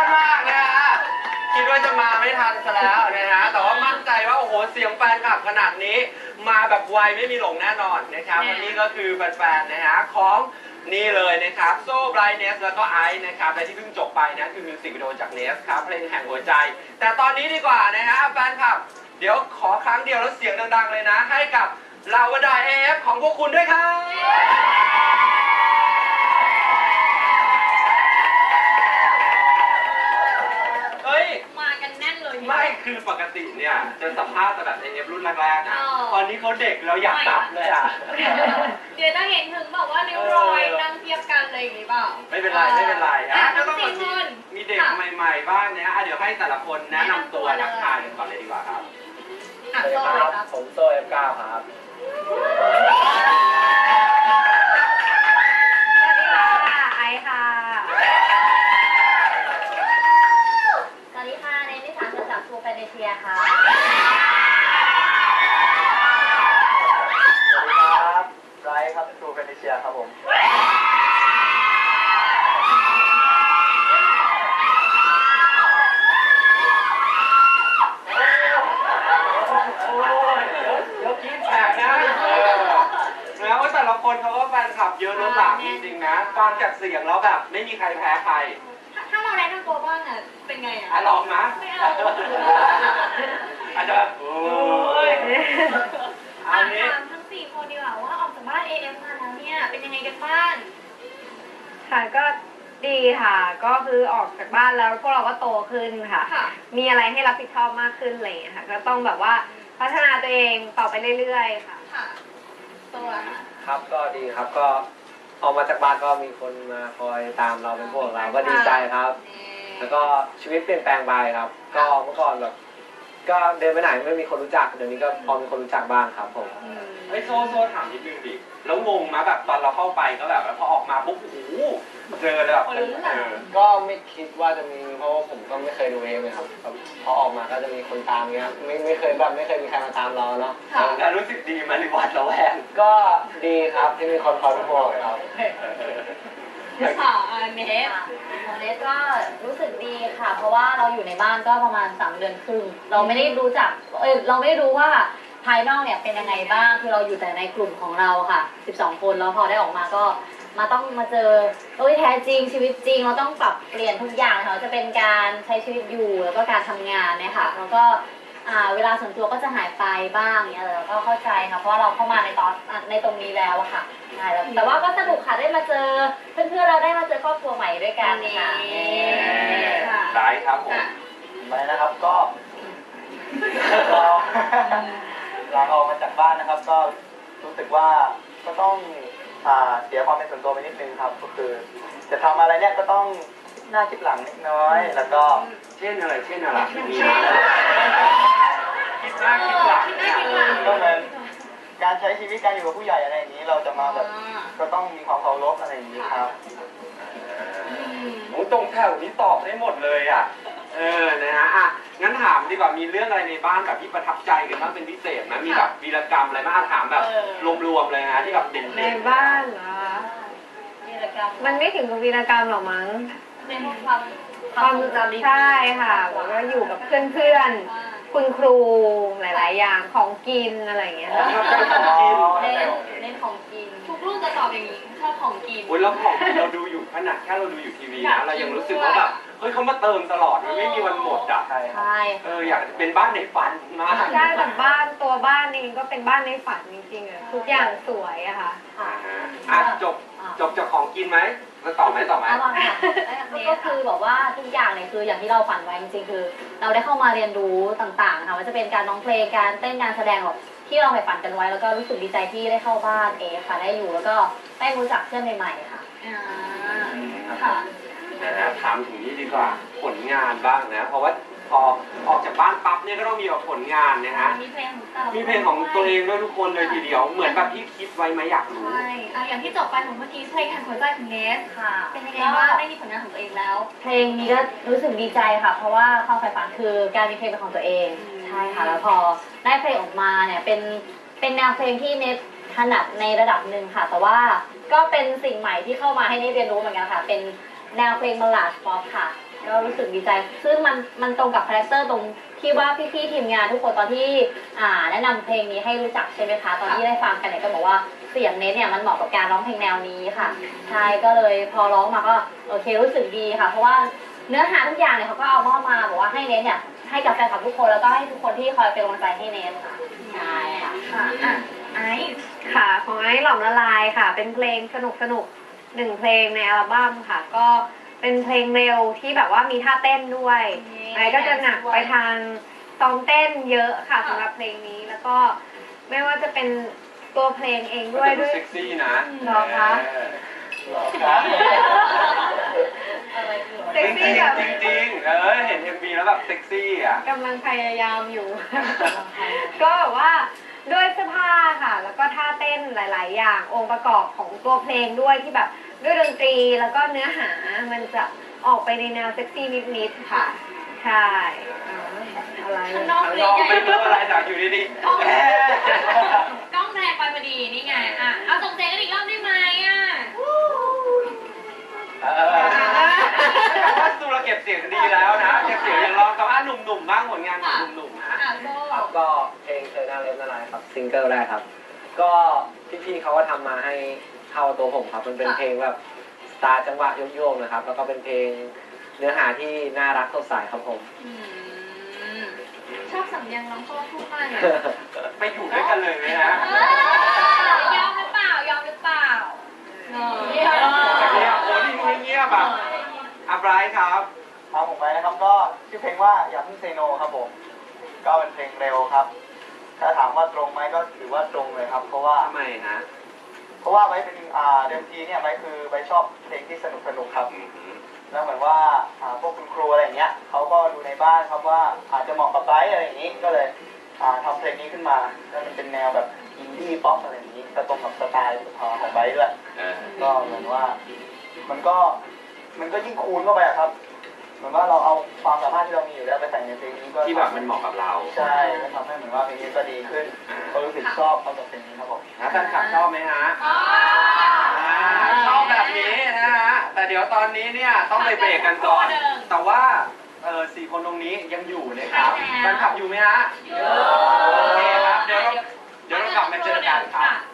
มากนะฮะคิดว่าจะมาไม่ทันซะแล้วนะฮะแต่ว่ามั่นใจว่าโอ้โหเสียงแฟนคลับขนาดนี้มาแบบไวไม่มีหลงแน่นอนนะครับวันนี้ก็คือแฟนๆนะฮะของนี่เลยนะครับโซ่ไบรท์เนสแล้วก็ไอซ์นะครับและที่เพิ่งจบไปนะคือมิวสิกวิดีโอจากเนสครับเพลงแห่งหัวใจแต่ตอนนี้ดีกว่านะฮะแฟนคลับเดี๋ยวขอครั้งเดียวแล้วเสียงดังๆเลยนะให้กับเหล่าบรรดา AF ของพวกคุณด้วยครับเฮ้ยมากันแน่นเลยไม่คือปกติเนี่ยจะสัมภาษณ์แต่แบบ AF รุ่นแรกๆนะตอนนี้เขาเด็กแล้วอยากตับเลยอ่ะเดี๋ยวจะเห็นถึงแบบว่าริ้วรอยนั่งเทียบกันเลยอย่างนี้เปล่าไม่เป็นไรไม่เป็นไรอ่ะก็ต้องมีเด็กใหม่ๆบ้างเนี่ยเดี๋ยวให้แต่ละคนแนะนำตัวทักทายกันก่อนเลยดีกว่าครับสวัสดีครับผมโซ่ F9 ครับสวัสดีค่ะไอค่ะสวัสดีค่ะเนนิสาจากทูแฟนเชียค่ะสวัสดีครับไรครับทูแฟนเชียครับผมแต่ละคนเขาก็แฟนคลับเยอะล้นหลามจริงๆนะฟังจากเสียงแล้วแบบไม่มีใครแพ้ใครถ้าเราแนะนำตัวบ้างอ่ะเป็นไงอ่ะลองนะไม่เอาอาจจะโอ้ยอันนี้ถามทั้ง4คนดีกว่าว่าออกจากบ้าน AF มาแล้วเนี่ยเป็นยังไงกันบ้างค่ะก็ดีค่ะก็คือออกจากบ้านแล้วพวกเราก็โตขึ้นค่ะมีอะไรให้รับผิดชอบมากขึ้นอะไรอย่างเงี้ยค่ะก็ต้องแบบว่าพัฒนาตัวเองต่อไปเรื่อยๆค่ะตัวครับก็ดีครับก็ออกมาจากบ้านก็มีคนมาคอยตามเราเป็นพวกเราก็ดีใจครับแล้วก็ชีวิตเปลี่ยนแปลงไปครับก็เมื่อก่อนแบบก็เดินไปไหนไม่มีคนรู้จักเดี๋ยวนี้ก็พอมีคนรู้จักบ้างครับผมไอ้โซ่ถามนิดนึงดิแล้วงงมาแบบตอนเราเข้าไปก็แบบพอออกมาปุ๊บโอ้โหเจอแบบก็ไม่คิดว่าจะมีเพราะว่าผมก็ไม่เคยดูเองเลยครับพอออกมาก็จะมีคนตามเงี้ยไม่เคยมีใครมาตามเราเนาะแล้วรู้สึกดีไหมหรือวัดระแวงก็ดีครับที่มีคนคอยเป็นห่วงครับค่ะเนสของเนสก็รู้สึกดีค่ะเพราะว่าเราอยู่ในบ้านก็ประมาณ3 เดือนครึ่งเราไม่ได้รู้จักเราไม่ได้รู้ว่าภายนอกเนี่ยเป็นยังไงบ้างคือเราอยู่แต่ในกลุ่มของเราค่ะ12 คนแล้วพอได้ออกมาก็ต้องมาเจอแท้จริงชีวิตจริงเราต้องปรับเปลี่ยนทุกอย่างค่ะจะเป็นการใช้ชีวิตอยู่แล้วก็การทำงานเนี่ยค่ะแล้วก็เวลาส่วนตัวก็จะหายไปบ้างเนี่ยเราก็เข้าใจค่ะเพราะว่าเราเข้ามาในตรงนี้แล้วอะค่ะใช่แต่ว่าก็สนุกค่ะได้มาเจอเพื่อนๆเราได้มาเจอครอบครัวใหม่ด้วยกันค่ะได้ครับผมไปนะครับก็เราออกมาจากบ้านนะครับก็รู้สึกว่าก็ต้องเสียความเป็นส่วนตัวไปนิดนึงครับก็คือจะทำอะไรเนี่ยก็ต้องหน้าคิดหลังนิดน้อยแล้วก็เช่นอะไรคิดหน้าคิดหลังก็เหมือนการใช้ชีวิตการอยู่กับผู้ใหญ่อะไรอย่างนี้เราจะมาแบบก็ต้องมีความเคารพอะไรอย่างนี้ครับโอ้ตรงแถวนี้ตอบได้หมดเลยอ่ะนะฮะงั้นถามดีกว่ามีเรื่องอะไรในบ้านแบบที่ประทับใจกันบ้างเป็นพิเศษไหมมีแบบวีรกรรมอะไรบ้างถามแบบรวมๆเลยนะที่แบบเด่นๆในบ้านเหรอวีรกรรมมันไม่ถึงกับวีรกรรมหรอกมั้งเป็นความจำใช่ค่ะแล้วก็อยู่กับเพื่อนๆคุณครูหลายๆอย่างของกินอะไรอย่างเงี้ยเน้นของกินทุกรุ่นจะตอบอย่างนี้ชอบของกินโอ้ยแล้วของเราดูอยู่ขนาดแค่เราดูอยู่ทีวีนะเรายังรู้สึกว่าแบบเฮ้ยเขามาเติมตลอดมันไม่มีวันหมดอ่ะใช่อยากเป็นบ้านในฝันมากใช่แต่ตัวบ้านเองก็เป็นบ้านในฝันจริงๆอะทุกอย่างสวยอะค่ะจบจากของกินไหมแล้วต่อไหมก็คือบอกว่าทุกอย่างเนี่ยคืออย่างที่เราฝันไว้จริงๆคือเราได้เข้ามาเรียนรู้ต่างๆค่ะว่าจะเป็นการร้องเพลงการเต้นการแสดงแบบที่เราใฝ่ฝันกันไว้แล้วก็รู้สึกดีใจที่ได้เข้าบ้านค่ะได้อยู่แล้วก็ได้รู้จักเพื่อนใหม่ๆค่ะค่ะถามถึงนี้ดีกว่าผลงานบ้างนะเพราะว่าพอออกจากบ้านปั๊บเนี่ยก็ต้องมีแบบผลงานนะฮะมีเพลงของตัวเองด้วยทุกคนเลยทีเดียวเหมือนแบบที่คิดไว้ไหมอยากรู้ใช่อย่างที่จบไปของเมื่อกี้เพลงแห่งหัวใจของเนสค่ะเป็นยังไงบ้างได้มีผลงานของตัวเองแล้วเพลงนี้ก็รู้สึกดีใจค่ะเพราะว่าความใฝ่ฝันคือการมีเพลงเป็นของตัวเองใช่ค่ะแล้วพอได้เพลงออกมาเนี่ยเป็นแนวเพลงที่เนสถนัดในระดับหนึ่งค่ะแต่ว่าก็เป็นสิ่งใหม่ที่เข้ามาให้เนสเรียนรู้เหมือนกันค่ะเป็นแนวเพลงบัลลาดป๊อปค่ะก็รู้สึกดีใจ ซึ่งมันตรงกับคาแรคเตอร์ตรงที่ว่าพี่ๆทีมงานทุกคนตอนที่แนะนำเพลงนี้ให้รู้จักใช่ไหมคะตอนที่ได้ฟังกันเนี่ยก็บอกว่าเสียงเนทเนี่ยมันเหมาะกับการร้องเพลงแนวนี้ค่ะใช่ก็เลยพอร้องมาก็โอเครู้สึกดีค่ะ เพราะว่าเนื้อหาทุกอย่างเนี่ยเขาก็เอามอบมาบอกว่าให้เนทเนี่ยให้กับแฟนคลับทุกคนแล้วก็ให้ทุกคนที่คอยเป็นกำลังใจให้เนทค่ะใช่ค่ะค่ะไอซ์ค่ะของไอ้หลอมละลายค่ะ เป็นเพลงสนุกหนึ่งเพลงในอัลบั้มค่ะ ก็เป็นเพลงเร็วที่แบบว่ามีท่าเต้นด้วยไอ้ก็จะหนักไปทางซ้อมเต้นเยอะค่ะสำหรับเพลงนี้แล้วก็ไม่ว่าจะเป็นตัวเพลงเองด้วยดูด้วยเซ็กซี่นะเหรอคะ เซ็กซี่แบบจริงๆเห็น MV แล้วแบบเซ็กซี่อ่ะกำลังพยายามอยู่ ก็แบบว่าด้วยเสื้อผ้าค่ะ แล้วก็ท่าเต้นหลาย ๆ อย่างองค์ประกอบของตัวเพลงด้วยที่แบบด้วยดนตรีแล้วก็เนื้อหามันจะออกไปในแนวเซ็กซี่นิด ๆ ค่ะ ใช่อะไรข้างนอกข้างเรีนยอกใหญ่ไม่รู้อะไรแต่อยู่ดีๆกล้องแรงไปพอดีนี่ไงอ่ะเอาส่งเสียงกันอีกรอบได้ไหมอ่ะแต่ว่าซูเราเก็บเสียงดีแล้วนะเก็บเสียงอย่างร้องกับหนุ่มๆบ้างผลงานของหนุ่มๆนะอ่ะโซ่ครับก็เพลงเธอหน้าเล็บละลายครับซิงเกิลแรกครับ ก็พี่ๆเขาก็ทำมาให้เข้าตัวผมครับมันเป็นเพลงแบบสไตล์จังหวะโยกๆนะครับ แล้วก็เป็นเพลงเนื้อหาที่น่ารักสดใสครับผมชอบสำเนียงน้องโซ่พูดมากเลยไปอยู่ด้วยกันเลยไหมนะยอมหรือเปล่ายอมหรือเปล่าเนอะเงียบโอ้ที่เงียบแบบอับไรครับครับผมไปนะครับก็ชื่อเพลงว่าอย่าเพิ่งเซโนครับผมก็เป็นเพลงเร็วครับ ถ้าถามว่าตรงไหมก็ถือว่าตรงเลยครับ เพราะว่าทำไมฮะไว้เป็นเดิมทีเนี่ยไว้คือไว้ชอบเพลงที่สนุกครับ แล้วเหมือนว่าพวกคุณครูอะไรอย่างเงี้ยเขาก็ดูในบ้านครับว่าอาจจะเหมาะกับไบร์ทอะไรอย่างนี้ก็เลยทำเพลงนี้ขึ้นมาแล้วมันเป็นแนวแบบอินดี้ป๊อปอะไรอย่างนี้ก็ตรงกับสไตล์ของไบร์ทด้วยก็เหมือนว่ามันก็ยิ่งคูณเข้าไปอะครับ เหมือนว่าเราเอาความสามารถที่เรามีอยู่แล้วไปใส่ในเพลงนี้ก็ที่แบบมันเหมาะกับเราใช่ก็ทำให้เหมือนว่าเพลงนี้ก็ดีขึ้นก็รู้สึกชอบเขากับเพลงนี้ครับผมแล้วแฟนคลับชอบไหมฮะชอบแบบนี้นะฮะ แต่เดี๋ยวตอนนี้เนี่ยต้องไปเบรกกันก่อน แต่ว่าสี่คนตรงนี้ยังอยู่นะครับแฟนคลับอยู่ไหมฮะ โอเคครับ เดี๋ยวเรากลับมาเจอกันครับ